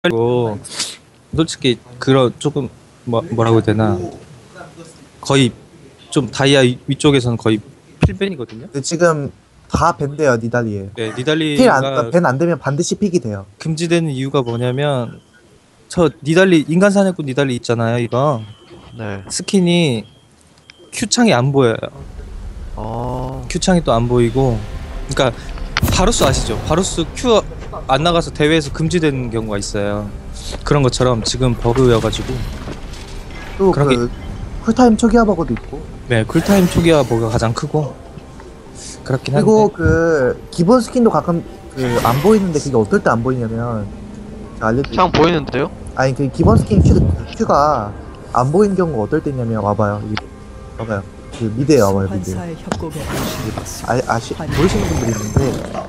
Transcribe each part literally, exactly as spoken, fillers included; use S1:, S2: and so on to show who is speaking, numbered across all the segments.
S1: 그리고 솔직히 그런 조금 뭐 뭐라고 해야 되나 거의 좀 다이아 위- 위쪽에서는 거의 필벤이거든요.
S2: 근데 지금 다 밴돼요 니달리에.
S1: 네,
S2: 필안
S1: 니달리가
S2: 밴 안 되면 반드시 픽이 돼요.
S1: 금지되는 이유가 뭐냐면 저 니달리 인간 사냥꾼 니달리 있잖아요. 이거
S3: 네.
S1: 스킨이 Q 창이 안 보여요.
S3: 어.
S1: Q 창이 또 안 보이고, 그러니까 바루스 아시죠? 바루스 Q 안 나가서 대회에서 금지되는 경우가 있어요. 그런 것처럼 지금 버그여가지고
S2: 또
S1: 그런
S2: 그 쿨타임 초기화 버그도 있고.
S1: 네 쿨타임 초기화 버그가 가장 크고 그렇긴 한데.
S2: 그리고 그 기본 스킨도 가끔 그 안 보이는데 그게 어떨 때 안 보이냐면 제가 알려드릴게요.
S3: 창 보이는데요?
S2: 아니 그 기본 스킨 큐, 큐가 안 보이는 경우가 어떨 때냐면 와봐요. 여기 와봐요. 그 미드에 와봐요 미드.
S4: 환사의 협곡에 오신
S2: 아, 아시 모르시는 분들이 있는데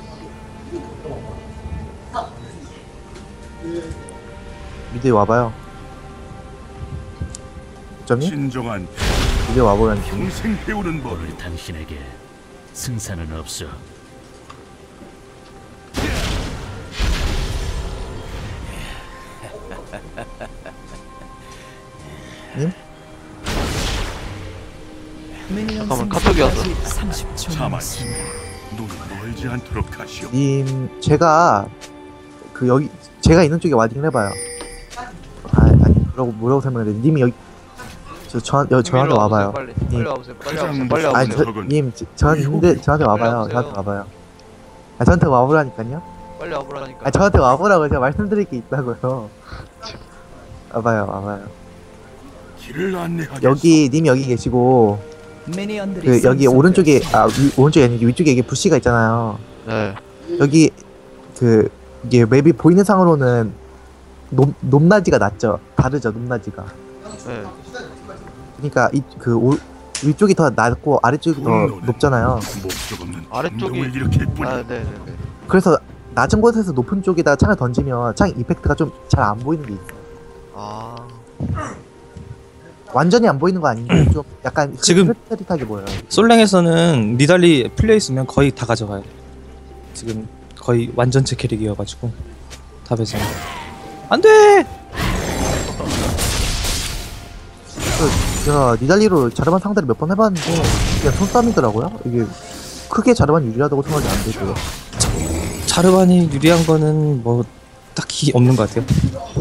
S2: 미드에 와봐요. 점이
S5: 진정한
S2: 미드에 와보라니까.
S5: 평생 배우는 법.
S6: 오늘 당신에게 승산은 없어.
S2: 님?
S3: 잠깐만, 카톡이 왔어.
S4: 삼십 초
S5: 자만심. 눈 멀지 않도록 하시오.
S2: 님 제가 그 여기 제가 있는 쪽에 와딩을 해봐요. 아 아니 뭐라고 뭐라고 설명해야 돼? 님이 여기 저 저 여, 저한테 와봐요.
S3: 빨리.
S2: 님.
S3: 빨리 와보세요. 빨리
S5: 가장
S3: 와보세요. 빨리
S5: 무서운
S2: 아니
S3: 와보세요.
S2: 저,
S5: 적은
S2: 님 저- 저 있는데 저한테 와봐요.
S3: 와보세요.
S2: 저한테 와봐요. 아 저한테 와보라니까요.
S3: 빨리 와보라니까.
S2: 아 저한테 와보라고 제가 말씀드릴 게 있다고요. 와봐요 와봐요.
S5: 길을 안내하겠소.
S2: 여기 님 여기 계시고
S4: 미니언들이
S2: 그 여기
S4: 쌍쌍
S2: 오른쪽에
S4: 되었습니다.
S2: 아 위, 오른쪽이 아니고 위쪽에 이게 부시가 있잖아요.
S3: 네.
S2: 여기 그 이게 맵이 보이는 상으로는 높 높낮이가 낮죠. 다르죠 높낮이가.
S3: 네.
S2: 그러니까 이 그 위쪽이 더 낮고 아래쪽이 더 높잖아요.
S5: 목적 없는
S3: 아래쪽이-
S5: 감동을 일으킬 뿐.
S3: 아, 네, 네, 네.
S2: 그래서 낮은 곳에서 높은 쪽에다 창을 던지면 창 이펙트가 좀 잘 안 보이는 게 있어요.
S3: 아.
S2: 완전히 안 보이는 거 아닌데 좀 약간
S1: 지금-
S2: 흐릿흐릿하게 보여요.
S1: 솔랭에서는 니달리 플레이 있으면 거의 다 가져가요. 지금 거의 완전체 캐릭이어가지고 탑에서 안돼.
S2: 그 제가 니달리로 자르반 상대를 몇 번 해봤는데 그냥 손싸움이더라고요. 이게 크게 자르반 유리하다고 생각이 안 되고요.
S1: 자르반이 유리한 거는 뭐 딱히 없는 것 같아요.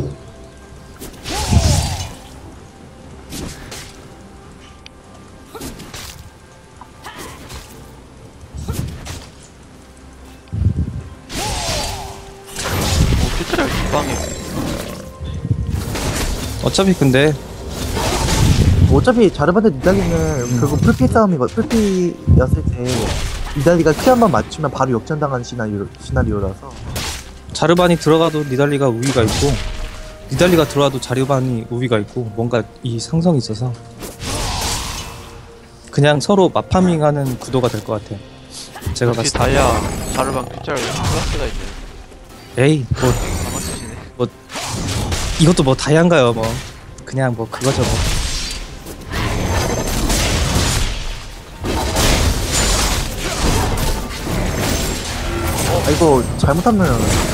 S3: 뭐 피트랄 기방에.
S1: 어차피 근데
S2: 어차피 자르반대 니달리는 결국 풀피 싸움이고 풀피였을 때 니달리가 키 한 번 맞추면 바로 역전당하는 시나리오, 시나리오라서
S1: 자르반이 들어가도 니달리가 우위가 있고 니달리가 들어와도 자르반이 우위가 있고 뭔가 이 상성이 있어서 그냥 서로 마파밍하는 구도가 될 것 같아요. 제가
S3: 역시
S1: 봤을 때.
S3: 다이아 자르방 피트랄 클래스가 있네.
S1: 에이 뭐
S3: 다 맞추시네.
S1: 이것도 뭐 다양한가요 뭐 그냥 뭐 그거죠 뭐.
S2: 아 이거 잘못하면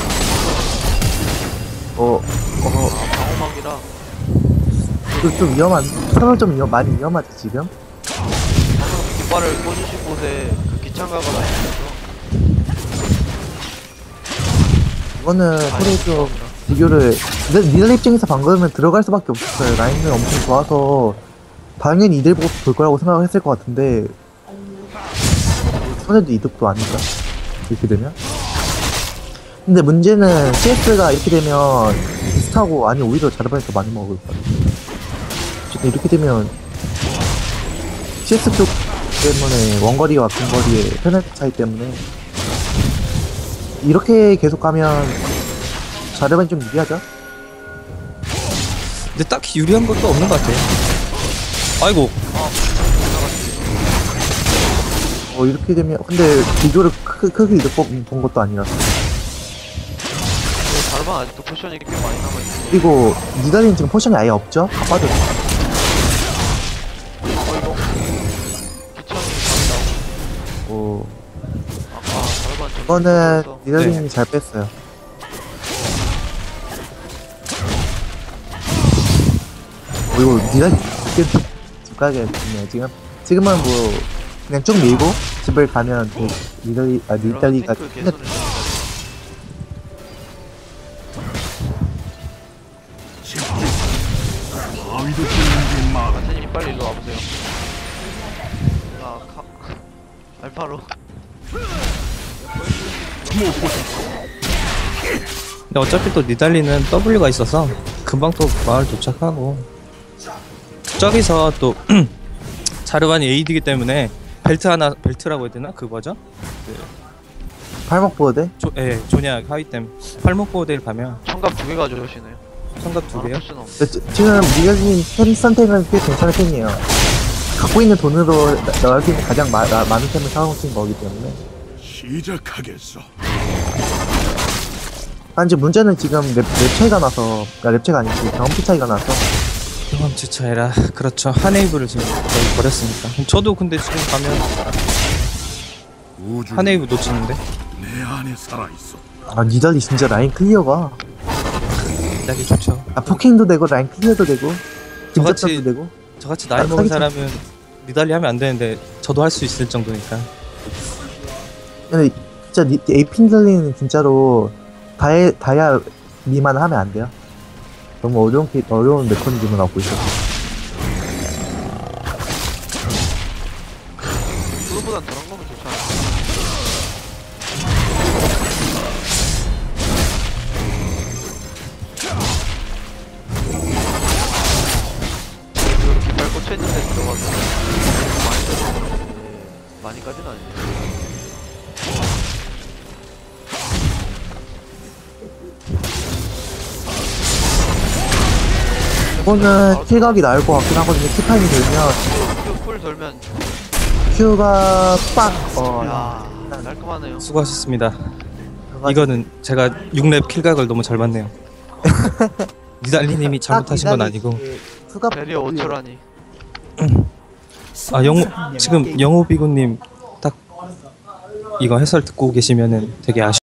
S2: 어, 어,
S3: 아, 방어막이라.
S2: 좀, 좀 위험한, 선을 좀 위험, 많이 위험하지, 지금?
S3: 방금 깃발을 꽂으신 곳에 그 기창가가 나있어서
S2: 이거는 소리 좀 비교를, 근데 니들 입장에서 방금은 들어갈 수밖에 없었어요. 라인은 엄청 좋아서, 당연히 이들 보고 볼 거라고 생각을 했을 것 같은데, 손해도 이득도 아닌가? 이렇게 되면? 근데 문제는 씨에스가 이렇게 되면 비슷하고, 아니, 오히려 자르반이 더 많이 먹을 것 같아요. 어쨌든 이렇게 되면, 씨에스 쪽 때문에 원거리와 근거리의 페널티 차이 때문에, 이렇게 계속 가면, 자르반이 좀 유리하죠?
S1: 근데 딱히 유리한 것도 없는 것 같아요. 아이고
S2: 어, 이렇게 되면, 근데 비교를 크게, 크게 이득 본, 본 것도 아니라서.
S3: 자르방 아직도 포션이 꽤 많이 남아있네.
S2: 그리고, 니달리는 지금 포션이 아예 없죠? 다 빠졌어.
S3: 어, 이거. 기창이 많이 나오고.
S2: 어,
S3: 아까 자르방 좀.
S2: 이거는
S3: 네.
S2: 니달리님이 잘 뺐어요. 이거 니가 집 가야겠네. 지금 지금은 뭐 그냥 쭉 밀고 집을 가면 그 니달리 아
S3: 이런
S2: 니달리가
S3: 탱크 개선을 해야
S5: 바위도 뚫는 게 막.
S3: 마태님 빨리 일로 와보세요. 아, 카... 알파로.
S1: 근데 어차피 또 니달리는 W가 있어서 금방 또 마을 도착하고 저기서 또 자르반이 에이디기 때문에 벨트 하나 벨트라고 해야 되나? 그 뭐죠?
S2: 팔목 보호대.
S1: 조, 예, 조냐 하위템 팔목 보호대를 가면
S3: 청갑 두 개 가져오시네요.
S1: 성갑 두 개요?
S3: 아, 포션 없네.
S2: 네, 지- 지금 니달리님 템 선택은 꽤 괜찮은 편이에요. 갖고 있는 돈으로 나- 나올 수 있는 가장 마, 나- 많은 템을 사놓은 거기 때문에.
S5: 시작하겠어.
S2: 아, 이제 문제는 지금 랩, 랩 차이가 나서, 아, 랩 차이가 아니지, 경험치 차이가 나서,
S1: 경험치 차이라 그렇죠. 한웨이브를 지금 거의 버렸으니까. 저도 근데 지금 가면
S5: 우주
S1: 한웨이브 놓치는데
S5: 내 안에 살아 있어.
S2: 아, 니달리 진짜 라인 클리어가,
S1: 니달리 좋죠.
S2: 아, 포킹도 되고, 라인 클리어도 되고,
S1: 저같이-
S2: 김접전도 되고,
S1: 저같이 나이
S2: 아,
S1: 먹은
S2: 사기쳐.
S1: 사람은 니달리 하면 안 되는데 저도 할 수 있을 정도니까.
S2: 근데 진짜 니, 에이핀들리는 진짜로 다이, 다이아 미만 하면 안 돼요. 너무 어려운, 캐- 어려운 메커니즘을 갖고 있어서.
S3: 그거보단 저런 거면 좋지 않아? 이렇게 발 꽂혀있는데 들어가서 많이 들어가는데 많이까지는 아니에요.
S2: 이거는 킬각이 나을 것 같긴 하거든요. 킬타임이 들면,
S3: Q 풀 돌면
S2: Q가 빡, 어,
S3: 야 깔끔하네요.
S1: 수고하셨습니다.
S2: 그래가지고
S1: 이거는 제가 육 렙 킬각을 너무 잘 봤네요. 니달리님이 잘못하신 건 아니고.
S2: 수갑
S3: 베리어 오 초라니.
S1: 아 영호 지금 영호비구님 딱 이거 해설 듣고 계시면은 되게 아쉬.